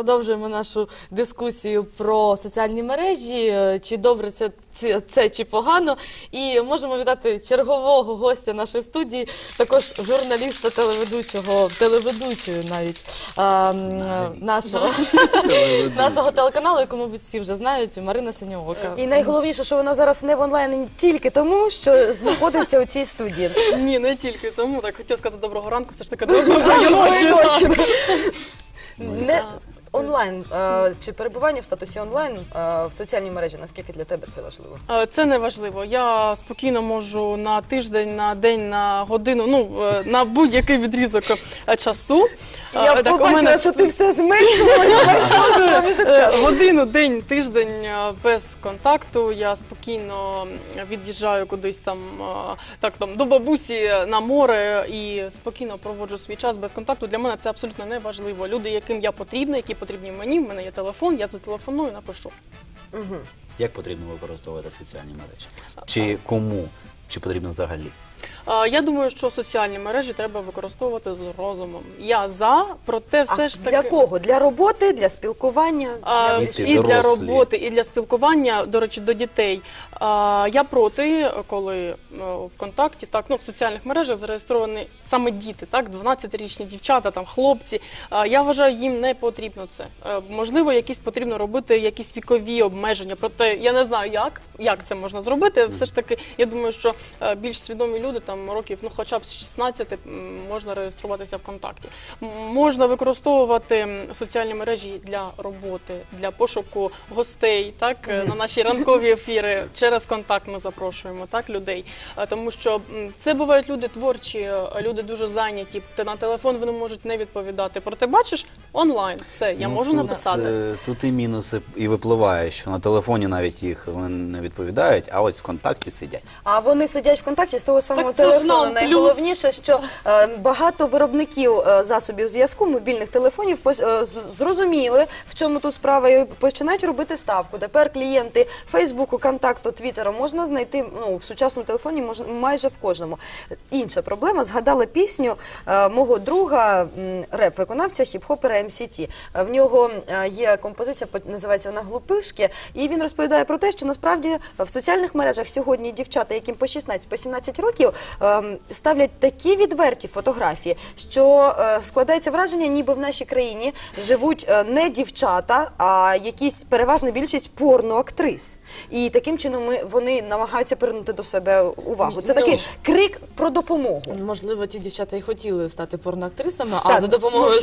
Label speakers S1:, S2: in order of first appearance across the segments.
S1: продовжуємо нашу дискусію про соціальні мережі, чи добре це чи погано. І можемо вітати чергового гостя нашої студії, також журналіста, телеведучої навіть нашого телеканалу, яку, мабуть, всі вже знають, Марина Синьоока.
S2: І найголовніше, що вона зараз не в онлайні тільки тому, що знаходиться у цій студії.
S3: Ні, не тільки тому. Так, хотіла сказати доброго ранку, все ж таки доброї ночі.
S2: Не онлайн, чи перебування в статусі онлайн в соціальній мережі, наскільки для тебе це важливо?
S3: Це не важливо. Я спокійно можу на тиждень, на день, на годину, на будь-який відрізок часу.
S2: Я побачила, що ти все зменшувала.
S3: Годину, день, тиждень без контакту. Я спокійно від'їжджаю кудись там до бабусі на море і спокійно проводжу свій час без контакту. Для мене це абсолютно не важливо. Люди, яким я потрібна, які потрібні мені, в мене є телефон, я зателефоную, напишу.
S4: Як потрібно використовувати соціальні мережі? Чи кому? Чи потрібно взагалі?
S3: Я думаю, що соціальні мережі треба використовувати з розумом. Я за, проте все ж таки...
S2: Для кого? Для роботи, для спілкування?
S3: І для роботи, і для спілкування, до речі, до дітей. Я проти, коли ВКонтакті, в соціальних мережах зареєстровані саме діти, 12-річні дівчата, хлопці. Я вважаю, їм не потрібно це. Можливо, потрібно робити якісь вікові обмеження, проте я не знаю, як це можна зробити. Все ж таки, я думаю, що більш свідомі люди, років, хоча б з 16, можна реєструватися ВКонтакті. Можна використовувати соціальні мережі для роботи, для пошуку гостей, на наші ранкові ефіри. Через контакт ми запрошуємо людей. Тому що це бувають люди творчі, люди дуже зайняті. На телефон вони можуть не відповідати. Проте бачиш, онлайн, все, я можу написати.
S4: Тут і мінуси і випливає, що на телефоні навіть їх вони не відповідають, а ось ВКонтакті сидять.
S2: А вони сидять ВКонтакті з того самого телефону. Найголовніше, що багато виробників засобів зв'язку, мобільних телефонів зрозуміли, в чому тут справа, і починають робити ставку. Тепер клієнти Фейсбуку, Контакту, Твіттера можна знайти в сучасному телефоні майже в кожному. Інша проблема, згадала пісню мого друга, реп-виконавця, хіп-хопера МСТ. В нього є композиція, називається вона «Глупишки», і він розповідає про те, що насправді в соціальних мережах сьогодні дівчата, яким по 16-17 років, ставлять такі відверті фотографії, що складається враження, ніби в нашій країні живуть не дівчата, а якісь переважна більшість порноактрис. І таким чином вони намагаються привернути до себе увагу. Це такий крик про допомогу.
S1: Можливо, ті дівчата і хотіли стати порноактрисами, а за допомогою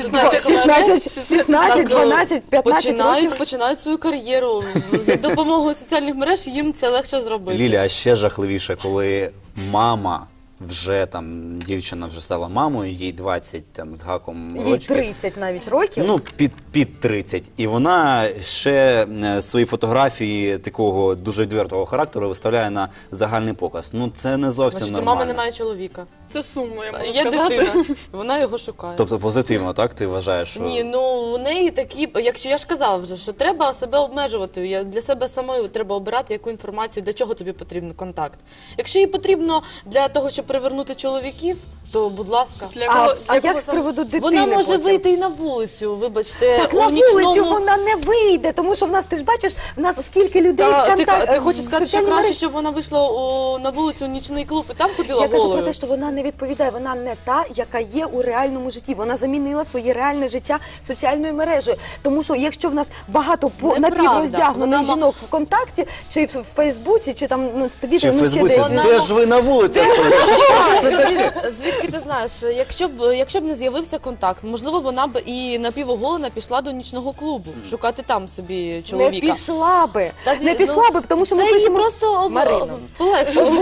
S2: 16, 12, 15 років
S1: починають свою кар'єру. За допомогою соціальних мереж їм це легше зробити.
S4: Ліля, а ще жахливіше, коли мама дівчина вже стала мамою, їй 20 з гаком років.
S2: Їй 30 навіть років.
S4: Під 30. І вона ще свої фотографії такого дуже відвертого характеру виставляє на загальний показ. Це не зовсім нормально.
S1: Мама не має чоловіка.
S3: Це сумно, я можу
S1: сказати. Є дитина, вона його шукає.
S4: Тобто позитивно, так? Ти вважаєш, що...
S1: Ні, у неї такі, якщо я ж казала вже, що треба себе обмежувати, для себе самої треба обирати, яку інформацію, для чого тобі потрібен контакт. Якщо їй потрібно для того, щоб привернути чоловіків, то, будь ласка.
S2: А як з приводу дитини?
S1: Вона може вийти і на вулицю, вибачте.
S2: Так на вулицю вона не вийде, тому що в нас, ти ж бачиш, в нас скільки людей в контакті.
S1: Ти хочеш сказати, що краще, щоб вона вийшла на вулицю у нічний клуб і там ходила голою?
S2: Я кажу про те, що вона не відповідає, вона не та, яка є у реальному житті. Вона замінила своє реальне життя соціальною мережею. Тому що якщо в нас багато напівроздягнених жінок в контакті, чи в Фейсбуці, чи там в Твіттері,
S4: чи в Фейсбуці, де ж ви на вулиці?
S1: Звідки ти знаєш, якщо б не з'явився контакт, можливо, вона б і напівоголена пішла до нічного клубу, шукати там собі чоловіка.
S2: Не пішла би. Не пішла би, тому що ми пишемо...
S1: просто полегшило.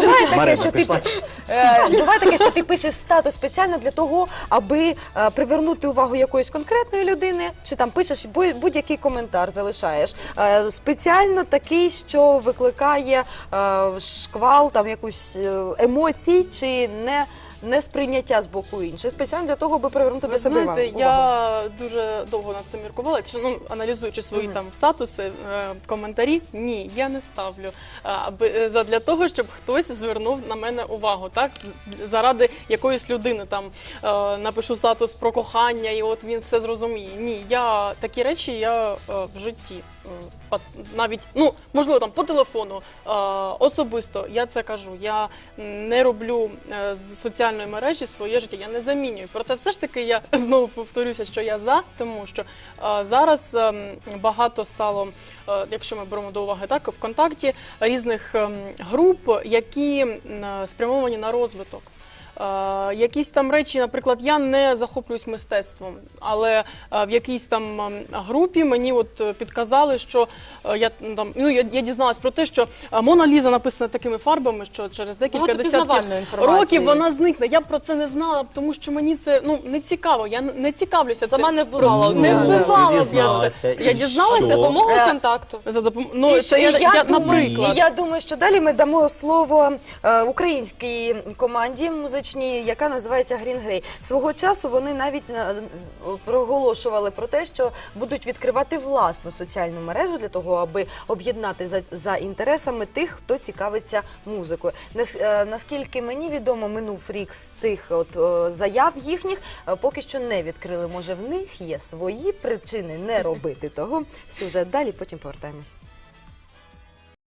S2: Буває таке, що ти пишеш статус спеціально для того, аби привернути увагу якоїсь конкретної людини, чи там пишеш будь-який коментар, залишаєш. Спеціально такий, що викликає шквал, якусь емоцій, чи не несприйняття з боку інших, спеціально для того, аби привернути
S3: Ви
S2: до себе
S3: знаєте,
S2: увагу.
S3: я дуже довго над цим міркувала, аналізуючи свої там статуси, коментарі. Ні, я не ставлю задля того, щоб хтось звернув на мене увагу, так? Заради якоїсь людини там напишу статус про кохання, і от він все зрозуміє. Ні, такі речі я в житті. Навіть, можливо, там по телефону, особисто я це кажу. Я не роблю з соціальної мережі своє життя, я не замінюю. Проте все ж таки я знову повторюся, що я за, тому що зараз багато стало, якщо ми беремо до уваги, так, ВКонтакті, різних груп, які спрямовані на розвиток. Якісь там речі, наприклад, я не захоплююсь мистецтвом, але в якійсь там групі мені от підказали, що я дізналась про те, що Мона Ліза написана такими фарбами, що через декілька десятків років вона зникне. Я б про це не знала, тому що мені це не цікаво, я не цікавлюся цим.
S1: Сама не вбивала.
S3: Не вбивала б я це. Я дізналася
S1: за допомогою контакту.
S3: Наприклад.
S2: І я думаю, що далі ми дамо слово українській команді музичній, яка називається Green Grey. Свого часу вони навіть проголошували про те, що будуть відкривати власну соціальну мережу для того, аби об'єднати за інтересами тих, хто цікавиться музикою. Наскільки мені відомо, минув рік з тих заяв їхніх, поки що не відкрили. Може, в них є свої причини не робити того. Сюжет далі, потім повертаємось.